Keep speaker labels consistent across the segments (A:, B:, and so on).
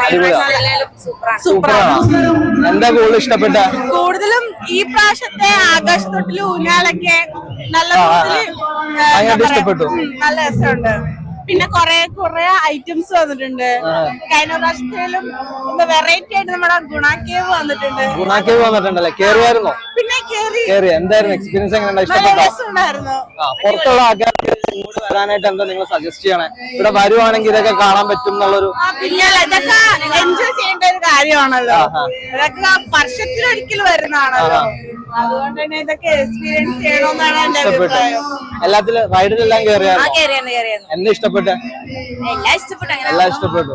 A: സൂപ്പറാണ്.
B: എന്താ കൂടുതൽ ഇഷ്ടപ്പെട്ട?
A: കൂടുതലും ഈ പ്രാവശ്യത്തെ ആകാശത്തൊട്ടില് ഊഞ്ഞാലൊക്കെ നല്ല
B: ഇഷ്ടപ്പെട്ടു.
A: നല്ല രസമുണ്ട്. പിന്നെ കുറെ ഐറ്റംസ് വന്നിട്ടുണ്ട്. കഴിഞ്ഞ പ്രാവശ്യത്തിലും വെറൈറ്റി ആയിട്ട് നമ്മുടെ ഗുണാക്കേവ് വന്നിട്ടുണ്ടല്ലേ?
B: കേറിയായിരുന്നോ?
A: പിന്നെ
B: കേറി. എന്തായിരുന്നു എക്സ്പീരിയൻസ്? എങ്ങനെ
A: രസമുണ്ടായിരുന്നു.
B: പുറത്തുള്ള ആൾക്കാർ വരാനായിട്ട് എന്താ നിങ്ങൾ സജസ്റ്റ് ചെയ്യണേ? ഇവിടെ വരുവാണെങ്കിൽ ഇതൊക്കെ കാണാൻ പറ്റും എന്നുള്ളൊരു?
A: പിന്നെ ഇതൊക്കെ എൻജോയ് ചെയ്യേണ്ട ഒരു കാര്യമാണല്ലോ. ഇതൊക്കെ വർഷത്തിലൊരിക്കൽ വരുന്നതാണല്ലോ. അതുകൊണ്ട് തന്നെ ഇതൊക്കെ എക്സ്പീരിയൻസ് ചെയ്യണമെന്നാണ് എന്റെ അഭിപ്രായം.
B: എല്ലാത്തിലും റൈഡിലെല്ലാം കയറിയായിരുന്നു? എന്താ ഇഷ്ടപ്പെട്ടെ? എല്ലാം ഇഷ്ടപ്പെട്ടു.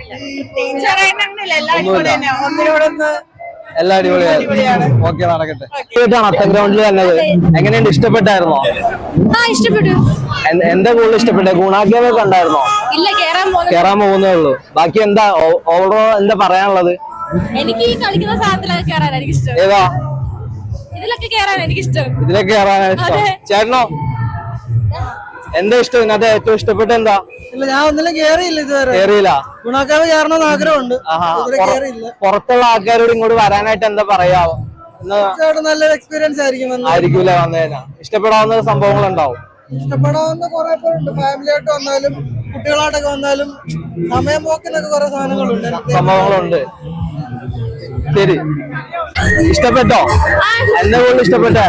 B: എല്ലാം അടിപൊളിയാണ്. ഓക്കെ, നടക്കട്ടെ. അത്തം ഗ്രൗണ്ടിൽ വന്നത് എങ്ങനെയുണ്ട്? ഇഷ്ടപ്പെട്ടായിരുന്നോ?
C: ഇഷ്ടപ്പെട്ടു.
B: എന്താ കൂടുതൽ ഇഷ്ടപ്പെട്ടെ? ഗുണാക്കേവ് കണ്ടായിരുന്നോ?
C: ഇല്ല,
B: കേറാൻ പോകുന്നേ ഉള്ളൂ. ബാക്കി എന്താ ഓവറോൾ എന്താ പറയാനുള്ളത്?
C: എനിക്ക് ഈ കളിക്കുന്ന സാധനത്തിലൊക്കെ കേറാൻ എനിക്ക് ഇഷ്ടം.
B: ഏതാ?
C: ഇതിലൊക്കെ കേറാൻ എനിക്ക് ഇഷ്ടം.
B: ഇതിലൊക്കെ കേറാനാണ് ഇഷ്ടം. ചേട്ടനോ? എന്താ ഇഷ്ടം? ഇതിനകത്ത് ഏറ്റവും ഇഷ്ടപ്പെട്ട എന്താ?
D: ഇല്ല, ഞാൻ ഒന്നിലും കേറിയില്ല ഇതുവരെ.
B: കേറിയില്ല.
D: ഗുണാക്കേവ് കയറണമെന്ന് ആഗ്രഹമുണ്ട്.
B: പുറത്തുള്ള ആൾക്കാരോട് ഇങ്ങോട്ട് വരാനായിട്ട് എന്താ പറയാവോ?
D: നല്ലൊരു എക്സ്പീരിയൻസ്
B: ആയിരിക്കൂല വന്നേനാ. ഇഷ്ടപ്പെടാവുന്ന സംഭവങ്ങൾ ഉണ്ടാവും.
D: ഇഷ്ടപ്പെടാവുന്ന കുറെ പേരുണ്ട്. ഫാമിലി ആയിട്ട് വന്നാലും കുട്ടികളായിട്ടൊക്കെ വന്നാലും സമയം പോക്കിനൊക്കെ കുറെ
B: സംഭവങ്ങളുണ്ട്. ശരി, ഇഷ്ടപ്പെട്ടോ? എന്താ കൂടുതൽ ഇഷ്ടപ്പെട്ട?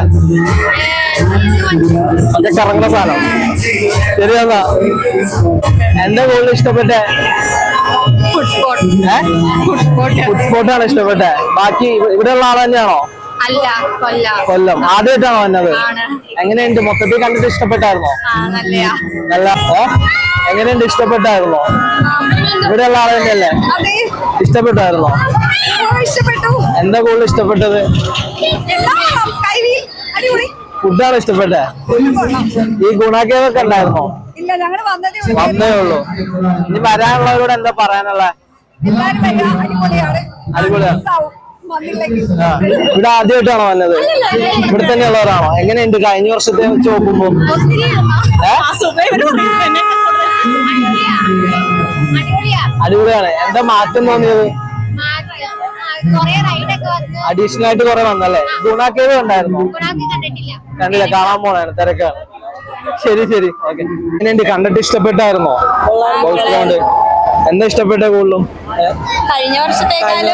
B: അതൊക്കെ കറങ്ങുന്ന സാധനം. ശരിയാ. എന്താ കൂടുതൽ ഇഷ്ടപ്പെട്ടെ? ഫുഡ് സ്പോട്ടാണ് ഇഷ്ടപ്പെട്ടെ. ബാക്കി ഇവിടെ ഉള്ള ആൾ തന്നെയാണോ? കൊല്ലം. ആദ്യമായിട്ടാണോ വന്നത്? എങ്ങനെയുണ്ട്? മൊത്തത്തിൽ കണ്ടിട്ട് ഇഷ്ടപ്പെട്ടായിരുന്നോ? നല്ല. എങ്ങനെയുണ്ട്? ഇഷ്ടപ്പെട്ടായിരുന്നോ? ഇവിടെ ഉള്ള ആൾ തന്നെയല്ലേ? ഇഷ്ടപ്പെട്ടായിരുന്നോ? എന്താ കൂടുതൽ ഇഷ്ടപ്പെട്ടത്? ഫുഡാണ് ഇഷ്ടപ്പെട്ടെ. ഈ ഗുണാക്കേവൊക്കെ ഉണ്ടായിരുന്നോ? വന്നേ ഉള്ളൂ. ഇനി വരാനുള്ളവരോട് എന്താ പറയാനുള്ള? അടിപൊളിയാണ്. ഇവിടെ ആദ്യമായിട്ടാണോ വന്നത്? ഇവിടെ തന്നെയുള്ളവരാണോ? എങ്ങനെയുണ്ട് കഴിഞ്ഞ വർഷത്തെ വെച്ച് നോക്കുമ്പോ? അടിപൊളിയാണ്. എന്താ മാറ്റം തോന്നിയത്? അഡീഷണൽ ആയിട്ട് കുറെ വന്നല്ലേ? ഗുണാക്കേവ് ഉണ്ടായിരുന്നോ? കണ്ടില്ല, കാണാൻ പോണാണ്, തിരക്കാണ്. ശരി ശരി, ഓക്കെ. എങ്ങനെയുണ്ട്? കണ്ടിട്ട് ഇഷ്ടപ്പെട്ടായിരുന്നോ? എന്താ ഇഷ്ടപ്പെട്ട കൂടുതലും?
C: കഴിഞ്ഞ വർഷത്തേക്കാളും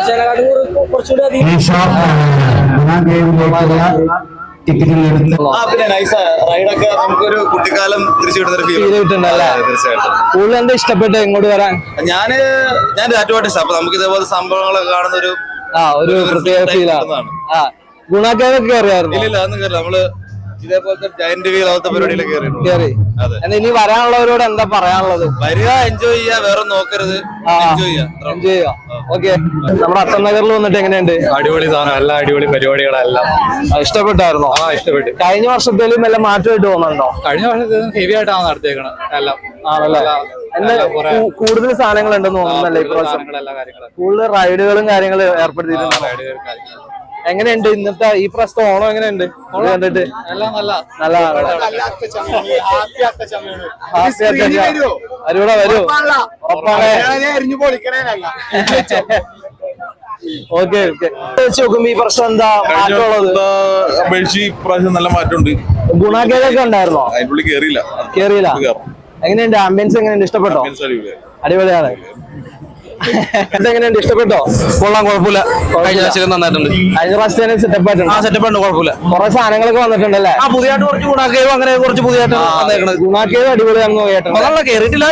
E: നമുക്കൊരു കുട്ടിക്കാലം തിരിച്ചു
B: കിട്ടുന്നല്ലേ? കൂടുതൽ എന്താ ഇഷ്ടപ്പെട്ട ഇങ്ങോട്ട് വരാൻ?
E: ഞാൻ ആറ്റുപാട്ട്. അപ്പൊ നമുക്ക് ഇതേപോലെ സംഭവങ്ങളൊക്കെ കാണുന്ന
B: ഒരു പ്രത്യേക ഫീലാണ്. ഗുണാക്കേവൊക്കെ കയറിയായിരുന്നു?
E: ഇല്ല, അതൊന്നും കയറില്ല. നമ്മള് ഇതേപോലത്തെ ജയന്റ് വീൽ അവത്തെ പരിപാടിയിലൊക്കെ കയറി.
B: ഇനി വരാനുള്ളവരോട് എന്താ പറയാനുള്ളത്?
E: വരിക, എൻജോയ് ചെയ്യാ, വേറെ നോക്കരുത്, എൻജോയ്
B: ചെയ്യാ. ഓക്കെ. നമ്മുടെ അത്തം നഗറിൽ വന്നിട്ട് എങ്ങനെയുണ്ട്?
F: അടിപൊളി സാധനം, എല്ലാം അടിപൊളി പരിപാടികളെല്ലാം.
B: ഇഷ്ടപ്പെട്ടായിരുന്നോ?
F: ഇഷ്ടപ്പെട്ടു.
B: കഴിഞ്ഞ വർഷത്തേലും എല്ലാം മാറ്റമായിട്ട് തോന്നുന്നുണ്ടോ?
F: കഴിഞ്ഞ വർഷത്തേലും ഹെവി ആയിട്ടാണ് നടത്തിയേക്കണത് എല്ലാം.
B: ആണല്ലേ? കൂടുതൽ സാധനങ്ങൾ ഉണ്ടെന്ന് തോന്നുന്നല്ലേ ഇപ്രാവശ്യം? കൂടുതൽ റൈഡുകളും കാര്യങ്ങളും ഏർപ്പെടുത്തിയിട്ടുണ്ട്. എങ്ങനെയുണ്ട് ഇന്നത്തെ ഈ പ്രാവശ്യത്തെ ഓണം? എങ്ങനെയുണ്ട് കണ്ടിട്ട്? നല്ലതാണ്. വരൂ. ഓക്കെ. വെച്ച് നോക്കുമ്പോ ഈ പ്രശ്നം എന്താ മാറ്റമുള്ളത്?
E: നല്ല മാറ്റമുണ്ട്.
B: ഗുണാക്കേവൊക്കെ ഉണ്ടായിരുന്നോ? കേറിയില്ല. എങ്ങനെയുണ്ട്? ആംബിയൻസ് എങ്ങനെയുണ്ട്? ഇഷ്ടപ്പെട്ടോ? അടിപൊളിയാണ്. എങ്ങനെയുണ്ട്? ഇഷ്ടപ്പെട്ടോ?
F: കൊള്ളാം, കുഴപ്പമില്ല. കഴിഞ്ഞ പ്രാവശ്യം നന്നായിട്ടുണ്ട്.
B: കഴിഞ്ഞ പ്രാവശ്യത്തിന് സെറ്റപ്പ് ആയിട്ടുണ്ട്.
F: സെറ്റപ്പ് ഉണ്ട്, കുഴപ്പമില്ല.
B: കുറെ സാധനങ്ങളൊക്കെ വന്നിട്ടുണ്ടല്ലേ?
F: പുതിയതായിട്ട് കുറച്ച് ഗുണാക്കേവ് അങ്ങനെ കുറച്ച് പുതിയതായിട്ട് വന്നേക്കണത്.
B: ഗുണാക്കേവ് അടിപൊളിയാണെന്ന് കേട്ടോ.
F: കേറിയിട്ടില്ല.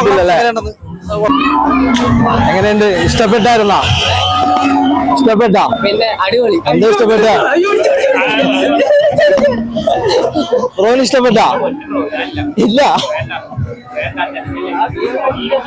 B: എങ്ങനെയുണ്ട്? ഇഷ്ടപ്പെട്ടായിരുന്നോ? ഇഷ്ടപ്പെട്ടാ?
D: പിന്നെ അടിപൊളി.
B: എന്താ ഇഷ്ടപ്പെട്ട? റോന് ഇഷ്ടപ്പെട്ടാ? ഇല്ല.